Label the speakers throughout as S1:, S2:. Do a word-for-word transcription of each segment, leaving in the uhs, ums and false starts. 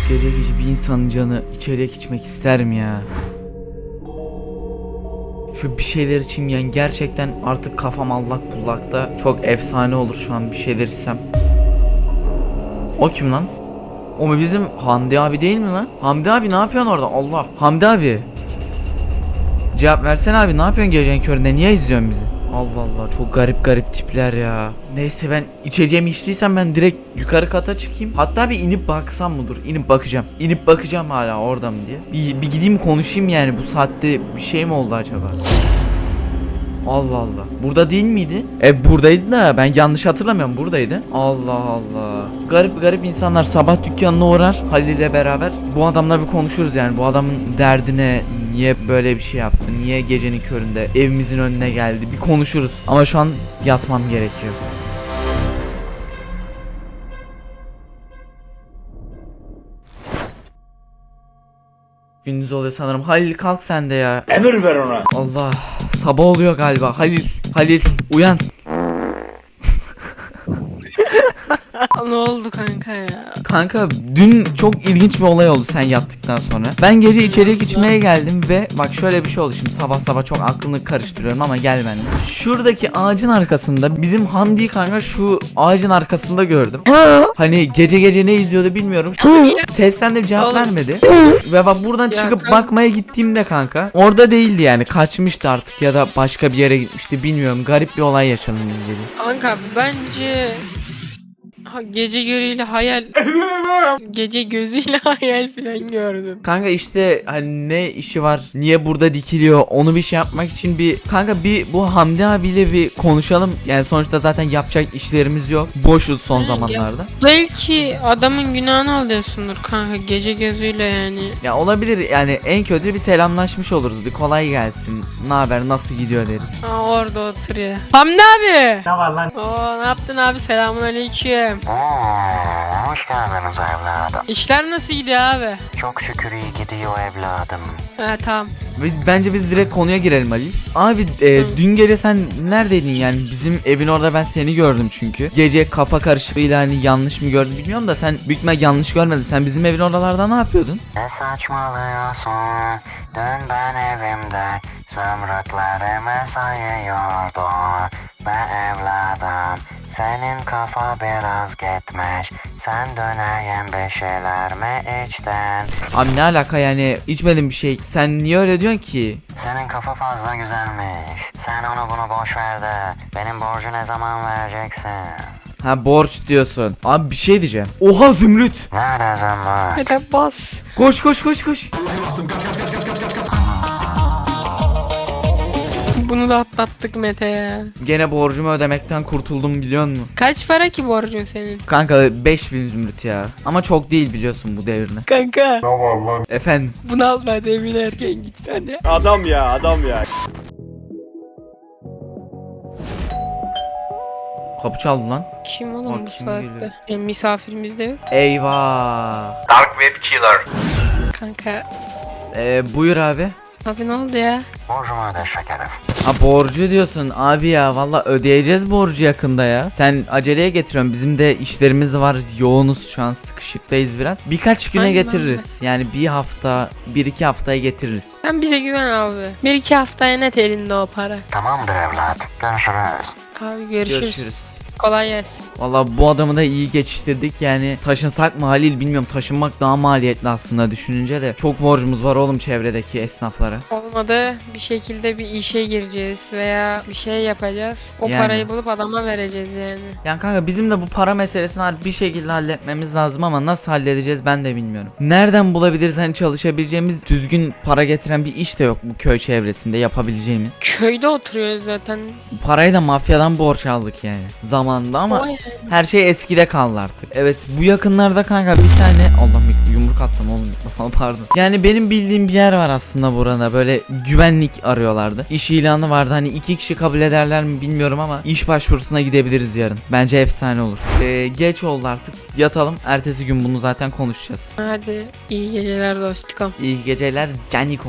S1: Gece gece bir insanın canı içecek içmek ister mi ya? Şu bir şeyler içeyim yani, gerçekten artık kafam allak bullakta. Çok efsane olur şu an bir şeyler içsem. O kim lan? O mu bizim Hamdi abi değil mi lan? Hamdi abi ne yapıyorsun orada? Allah. Hamdi abi. Cevap versene abi, ne yapıyorsun gecenin köründe? Niye izliyorsun bizi? Allah Allah, çok garip garip tipler ya. Neyse, ben içeceğimi içtiysem ben direkt yukarı kata çıkayım. Hatta bir inip baksam mı? Dur, inip bakacağım. İnip bakacağım hala orada mı diye. Bir, bir gideyim konuşayım yani, bu saatte bir şey mi oldu acaba? Allah Allah. Burada değil miydi? E buradaydı da ben yanlış hatırlamıyorum, buradaydı. Allah Allah. Garip garip insanlar sabah dükkanına uğrar Halil ile beraber. Bu adamla bir konuşuruz yani, bu adamın derdine, niye böyle bir şey yaptı, niye gecenin köründe evimizin önüne geldi, bir konuşuruz. Ama şu an yatmam gerekiyor. Gündüz oluyor sanırım. Halil kalk sen de ya.
S2: Emir ver ona.
S1: Allah, sabah oluyor galiba. Halil, Halil uyan.
S3: Ne oldu kanka ya?
S1: Kanka dün çok ilginç bir olay oldu sen yattıktan sonra. Ben gece içecek içmeye geldim ve bak şöyle bir şey oldu. Şimdi sabah sabah çok aklını karıştırıyorum ama gel benimle. Şuradaki ağacın arkasında bizim Hamdi kanka, şu ağacın arkasında gördüm. Hani gece gece ne izliyordu bilmiyorum. Sesten de bir cevap
S3: Oğlum.
S1: vermedi. Ve bak buradan
S3: Ya
S1: çıkıp
S3: kanka.
S1: bakmaya gittiğimde kanka orada değildi yani, kaçmıştı artık ya da başka bir yere gitmişti, bilmiyorum. Garip bir olay yaşandı gece.
S3: Kanka bence ha, gece görüyle hayal gece gözüyle hayal falan gördüm.
S1: Kanka işte hani ne işi var, niye burada dikiliyor, onu bir şey yapmak için bir kanka bir bu Hamdi abiyle bir konuşalım. Yani sonuçta zaten yapacak işlerimiz yok, boşuz son
S3: Ya.
S1: zamanlarda.
S3: Belki adamın günahını alıyorsundur kanka gece gözüyle yani.
S1: Ya olabilir yani, en kötü bir selamlaşmış oluruz, bir kolay gelsin, ne haber, nasıl gidiyor deriz.
S3: Ha, orada oturuyor. Hamdi abi.
S2: Ne var lan?
S3: Oo, ne yaptın abi, selamun aleyküm.
S4: Oo, hoş geldiniz evladım.
S3: İşler nasıl gidiyor abi?
S4: Çok şükür iyi gidiyor evladım.
S3: Ha tamam.
S1: Biz, bence biz direkt konuya girelim Ali. Abi e,
S3: Hı.
S1: dün gece sen neredeydin yani, bizim evin orada ben seni gördüm çünkü. Gece kafa karışıklığıyla hani yanlış mı gördüm bilmiyorum da sen büyük ihtimal yanlış görmedin. Sen bizim evin oralarda ne yapıyordun?
S4: Ne saçmalıyorsun? Dün ben evimde zümrütlerimi sayıyordum. Be evladım, senin kafa biraz gitmiş. Sen döneyim bir şeyler mi içtin?
S1: Abi ne alaka yani, içmedim bir şey. Sen niye öyle diyorsun ki?
S4: Senin kafa fazla güzelmiş. Sen onu bunu boş ver de benim borcu ne zaman vereceksin?
S1: Ha, borç diyorsun. Abi bir şey diyeceğim. Oha Zümrüt.
S4: Nerede zümrüt?
S3: Hadi bas.
S1: Koş koş koş koş.
S3: Bunu da atlattık Mete ya.
S1: Gene borcumu ödemekten kurtuldum biliyor musun?
S3: Kaç para ki borcun senin?
S1: Kanka beş bin Zümrüt ya. Ama çok değil biliyorsun bu devirde.
S3: Kanka
S1: Efendim.
S3: bunu alma, hadi evine erken git hadi.
S2: Adam ya, adam ya.
S1: Kapı çaldı lan.
S3: Kim oğlum
S1: Bak
S3: bu
S1: kim
S3: saatte?
S1: geliyor.
S3: E, misafirimiz de yok.
S1: Eyvah.
S2: Dark Web Killer.
S3: Kanka.
S1: Ee, buyur abi.
S3: Abi ne oldu ya?
S4: Borcumu öde şekerim.
S1: Ha, borcu diyorsun abi ya, valla ödeyeceğiz borcu yakında ya. Sen aceleye getiriyorsun, bizim de işlerimiz var, yoğunuz şu an, sıkışıktayız biraz. Birkaç güne
S3: Aynen
S1: getiririz yani, bir hafta bir iki haftaya getiririz.
S3: Sen bize güven abi. Bir iki haftaya net elinde o para.
S4: Tamamdır evlat. Görüşürüz.
S3: Abi görüşürüz.
S1: Görüşürüz.
S3: Kolay gelsin.
S1: Valla bu adamı da iyi geçiştirdik yani. Taşınsak mı Halil bilmiyorum, taşınmak daha maliyetli aslında düşününce de. Çok borcumuz var oğlum çevredeki esnaflara.
S3: Olmadı bir şekilde bir işe gireceğiz veya bir şey yapacağız. O
S1: Yani.
S3: parayı bulup adama vereceğiz yani.
S1: Yani kanka bizim de bu para meselesini bir şekilde halletmemiz lazım ama nasıl halledeceğiz ben de bilmiyorum. Nereden bulabiliriz hani çalışabileceğimiz, düzgün para getiren bir iş de yok bu köy çevresinde yapabileceğimiz.
S3: Köyde oturuyoruz zaten.
S1: Bu parayı da mafyadan borç aldık yani zamanında ama
S3: Vay.
S1: her şey eskide kaldı artık. Evet, bu yakınlarda kanka bir tane, Allah bir yumruk attım oğlum mikrofona, pardon. Yani benim bildiğim bir yer var aslında burada, böyle güvenlik arıyorlardı. İş ilanı vardı, hani iki kişi kabul ederler mi bilmiyorum ama iş başvurusuna gidebiliriz yarın. Bence efsane olur. Ee, geç oldu artık, yatalım, ertesi gün bunu zaten konuşacağız.
S3: Hadi iyi geceler dostum.
S1: İyi geceler canikom.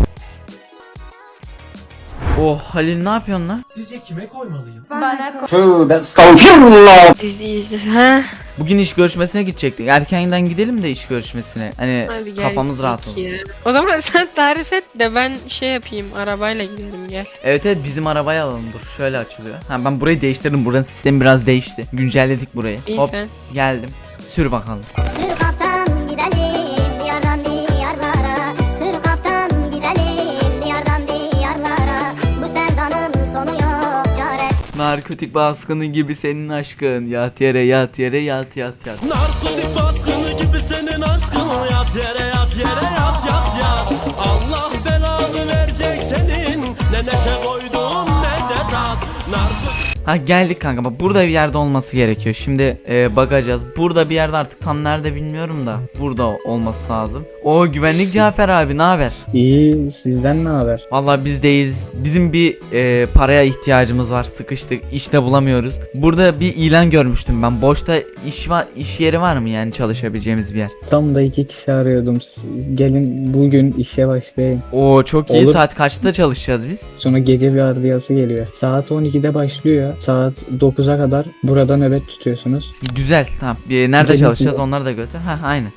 S1: Oh Halil, ne yapıyorsun lan?
S5: Sizce kime koymalıyım?
S3: Dizi izle ha.
S1: Bugün iş görüşmesine gidecektik. Erkenden gidelim de iş görüşmesine. Hani
S3: Hadi gel.
S1: kafamız rahat
S3: git
S1: olsun.
S3: ya. O zaman sen tarif et de ben şey yapayım. Arabayla gidelim gel.
S1: Evet evet bizim arabayı alalım dur. Şöyle açılıyor. Ha ben burayı değiştirdim. Buranın sistemi biraz değişti. Güncelledik burayı.
S3: İyi
S1: Hop
S3: sen.
S1: geldim. Sür bakalım.
S5: Sür kaptan gidelim diyardan diyarlara. Sür kaptan gidelim diyardan diyarlara. Bu sevdanın sonu yok çaresi.
S1: Narkotik baskını gibi senin aşkın. Yat yere yat yere yat yat yat.
S6: Narkotik baskını gibi senin aşkın. Yat yere yat yere yat yat yat. Allah belanı verecek senin. Ne neşe koydun ne de tat. Narkotik.
S1: Ha geldik kanka bak burada bir yerde olması gerekiyor. Şimdi e, bakacağız. Burada bir yerde artık tam nerede bilmiyorum da. Burada olması lazım. O güvenlik Cafer abi ne haber?
S7: İyi, sizden ne haber?
S1: Vallahi biz deyiz. Bizim bir e, paraya ihtiyacımız var. Sıkıştık. İşte bulamıyoruz. Burada bir ilan görmüştüm ben. Boşta iş var, iş yeri var mı yani çalışabileceğimiz bir yer?
S7: Tam da iki kişi arıyordum. Siz gelin bugün işe başlayın.
S1: Oo çok iyi.
S7: Olur.
S1: Saat kaçta çalışacağız biz?
S7: Sonra gece bir ardiyası geliyor. Saat on ikide başlıyor. Saat dokuza kadar burada nöbet tutuyorsunuz.
S1: Güzel. Tamam. E, nerede
S7: Gelin
S1: çalışacağız?
S7: size.
S1: Onları da götür. Ha aynı.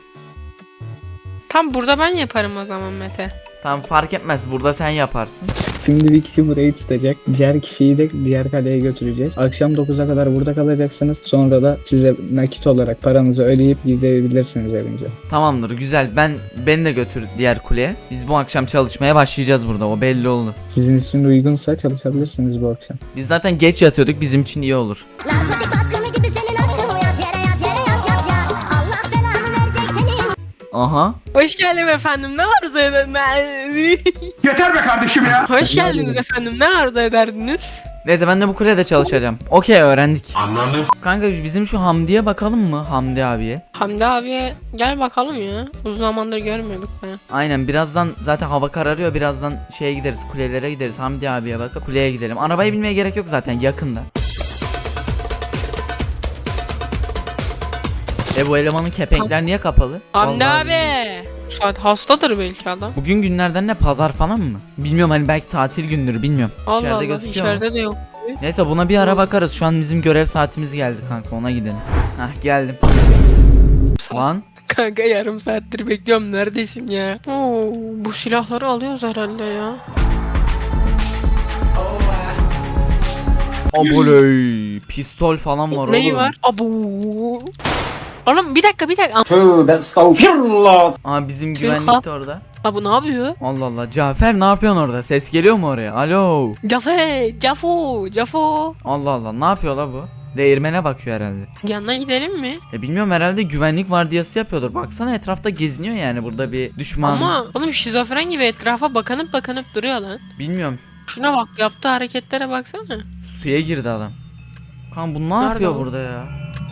S3: Tam burada ben yaparım o zaman Mete.
S1: Tamam fark etmez. Burada sen yaparsın.
S7: Şimdi bir kişi burayı tutacak. Diğer kişiyi de diğer kaleye götüreceğiz. Akşam dokuza kadar burada kalacaksınız. Sonra da size nakit olarak paranızı ödeyip gidebilirsiniz evinize.
S1: Tamamdır. Güzel. Ben beni de götür diğer kuleye. Biz bu akşam çalışmaya başlayacağız burada. O belli oldu.
S7: Sizin için uygunsa çalışabilirsiniz bu akşam.
S1: Biz zaten geç yatıyorduk. Bizim için iyi olur.
S5: Narkotik baskını gibi senin aşkın. Yat yere yat yere yat yat yat. Allah belanı verecek senin.
S1: Aha.
S3: Hoş geldin efendim. Ne arzu ederdiniz?
S2: Yeter be kardeşim ya.
S3: Hoş geldiniz efendim. Ne arzu ederdiniz?
S1: Neyse ben de bu kulede çalışacağım. Okey öğrendik. Anladım. Kanka bizim şu Hamdi'ye bakalım mı? Hamdi abiye.
S3: Hamdi abiye gel bakalım ya. Uzun zamandır görmüyorduk be.
S1: Aynen birazdan zaten hava kararıyor. Birazdan şeye gideriz. Kulelere gideriz. Hamdi abiye bakıp kuleye gidelim. Arabaya binmeye gerek yok zaten yakında. E bu elemanın kepenkler niye kapalı?
S3: Hamdi
S1: Vallahi
S3: abi. Şu saat hastadır belki adam.
S1: Bugün günlerden ne pazar falan mı? Bilmiyorum hani belki tatil gündür bilmiyorum.
S3: Allah
S1: İçeride
S3: Allah
S1: gözüküyor mu?
S3: içeride de yok.
S1: Neyse buna bir ara bakarız. Şu an bizim görev saatimiz geldi kanka ona gidelim. Hah geldim. Lan
S3: Kanka yarım saattir bekliyorum neredesin ya? Oo, bu silahları alıyoruz herhalde ya.
S1: aboley pistol falan var
S3: Neyi
S1: oğlum.
S3: var? Abu. Oğlum bir dakika bir dakika.
S2: Tövbe estağfirullah.
S1: Aa bizim
S3: Tüh,
S1: güvenlik
S3: ha.
S1: de orada.
S3: Abu ne yapıyor?
S1: Allah Allah Cafer ne yapıyorsun orada? Ses geliyor mu oraya? Alo.
S3: Cafe, Cafo, Cafo.
S1: Allah Allah ne yapıyor la bu? Değirmene bakıyor herhalde.
S3: Yanına gidelim mi?
S1: E bilmiyorum herhalde güvenlik vardiyası yapıyordur. Baksana etrafta geziniyor yani burada bir düşman.
S3: Ama oğlum şizofren gibi etrafa bakınıp bakınıp duruyor lan.
S1: Bilmiyorum.
S3: Şuna bak yaptığı hareketlere baksana.
S1: Suya girdi adam. Kan bu ne
S3: Nerede
S1: yapıyor
S3: o?
S1: burada ya?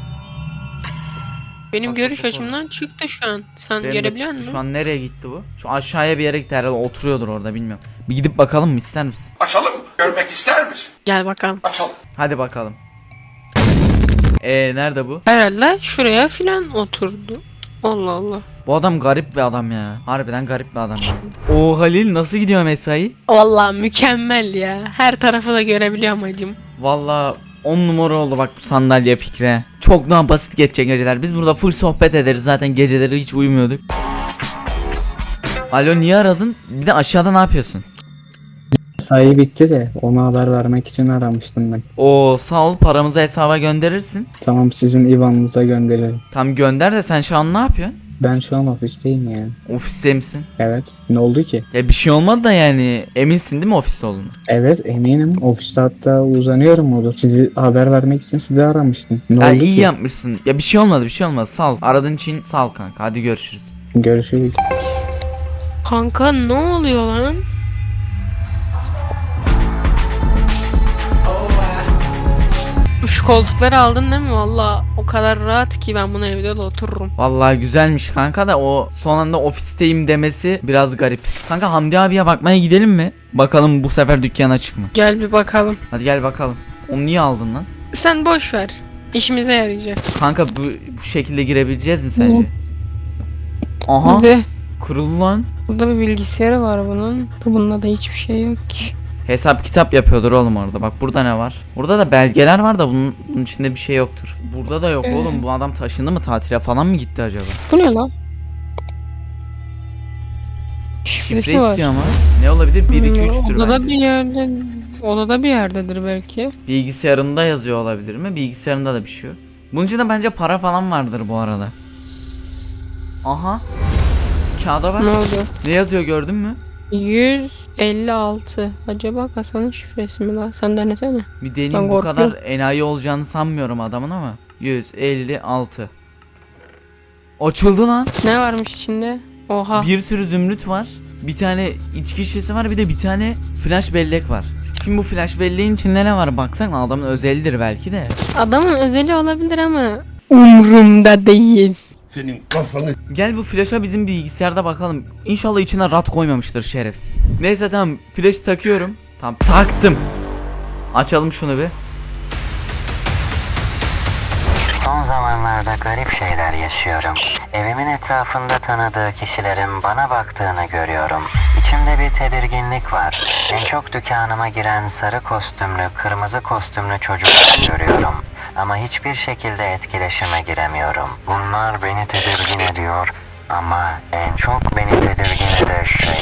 S3: Benim
S1: Bak,
S3: görüş
S1: bak, bak.
S3: açımdan çıktı şu an. Sen
S1: Benim de
S3: gelebiliyor
S1: çıktı.
S3: musun?
S1: Şu an nereye gitti bu? Şu aşağıya bir yere gitti herhalde oturuyordur orada bilmiyorum. Bir gidip bakalım mı ister misin?
S2: Açalım mı? Görmek ister misin?
S3: Gel bakalım.
S2: Açalım.
S1: Hadi bakalım. Eee nerede bu?
S3: Herhalde şuraya filan oturdu. Allah Allah.
S1: Bu adam garip bir adam ya. Harbiden garip bir adam ya. Oo Halil nasıl gidiyor mesai?
S3: Vallahi mükemmel ya. Her tarafı da görebiliyorum hacım.
S1: Valla on numara oldu bak bu sandalye fikre. Çok daha basit geçecek geceler. Biz burada full sohbet ederiz zaten geceleri hiç uyumuyorduk. Alo niye aradın? Bir de aşağıda ne yapıyorsun?
S7: Sayı bitti de ona haber vermek için aramıştım ben.
S1: Oo sağ ol paramızı hesaba gönderirsin.
S7: Tamam sizin I B A N'ınıza gönderirim.
S1: Tam gönder de sen şu an ne yapıyorsun?
S7: Ben şu an ofisteyim yani.
S1: Ofiste misin?
S7: Evet. Ne oldu ki?
S1: Ya bir şey olmadı da yani eminsin değil mi ofiste olduğunu?
S7: Evet eminim. Ofiste hatta uzanıyorum olur. Sizi haber vermek için sizi aramıştım. Ne
S1: Ya
S7: oldu
S1: iyi
S7: ki?
S1: yapmışsın. Ya bir şey olmadı bir şey olmadı sağ ol. Aradığın için sağ ol kanka hadi görüşürüz.
S7: Görüşürüz.
S3: Kanka ne oluyor lan? Şu koltukları aldın değil mi? Valla o kadar rahat ki ben bunu evde de otururum.
S1: Vallahi güzelmiş kanka da o son anda ofisteyim demesi biraz garip. Kanka Hamdi abiye bakmaya gidelim mi? Bakalım bu sefer dükkan açık mı?
S3: Gel bir bakalım.
S1: Hadi gel bakalım. Onu niye aldın lan?
S3: Sen boş ver. İşimize yarayacak.
S1: Kanka bu, bu şekilde girebileceğiz mi sence? Aha
S3: Bir de
S1: kurulu lan.
S3: burada bir bilgisayarı var bunun. Bunda da hiçbir şey yok ki.
S1: Hesap kitap yapıyordur oğlum orada. Bak burada ne var? Burada da belgeler var da bunun, bunun içinde bir şey yoktur. Burada da yok
S3: Ee?
S1: oğlum. Bu adam taşındı mı, tatile falan mı gitti acaba?
S3: Bu ne lan?
S1: Şifre
S3: Şifresi var.
S1: istiyor ama. Ne olabilir? bir iki üçtür
S3: Odada
S1: belki.
S3: bir yerde, odada bir yerdedir belki.
S1: Bilgisayarında yazıyor olabilir mi? Bilgisayarında da bir şey yok. Bunun içinde bence para falan vardır bu arada. Aha. Kağıda bak.
S3: Ne oldu?
S1: Ne yazıyor gördün mü?
S3: yüz elli altı. Acaba kasanın şifresi mi lan? Sen denesene.
S1: Bir deneyim,
S3: Ben
S1: bu
S3: korkuyorum.
S1: kadar enayi olacağını sanmıyorum adamın ama. yüz elli altı. Açıldı lan.
S3: Ne varmış içinde? Oha.
S1: Bir sürü zümrüt var. Bir tane içki şişesi var, bir de bir tane flash bellek var. Şimdi bu flash belleğin içinde ne var baksana, adamın özelidir belki de.
S3: Adamın özeli olabilir ama umrumda değil.
S1: Gel bu flash'a bizim bilgisayarda bakalım. İnşallah içine rat koymamıştır şerefsiz. Neyse tamam, flash takıyorum. Tamam taktım. Açalım şunu bir.
S4: Son zamanlarda garip şeyler yaşıyorum. Evimin etrafında tanıdığı kişilerin bana baktığını görüyorum. İçimde bir tedirginlik var. En çok dükkanıma giren sarı kostümlü, kırmızı kostümlü çocukları görüyorum. Ama hiçbir şekilde etkileşime giremiyorum. Bunlar beni tedirgin ediyor. Ama en çok beni tedirgin eden şey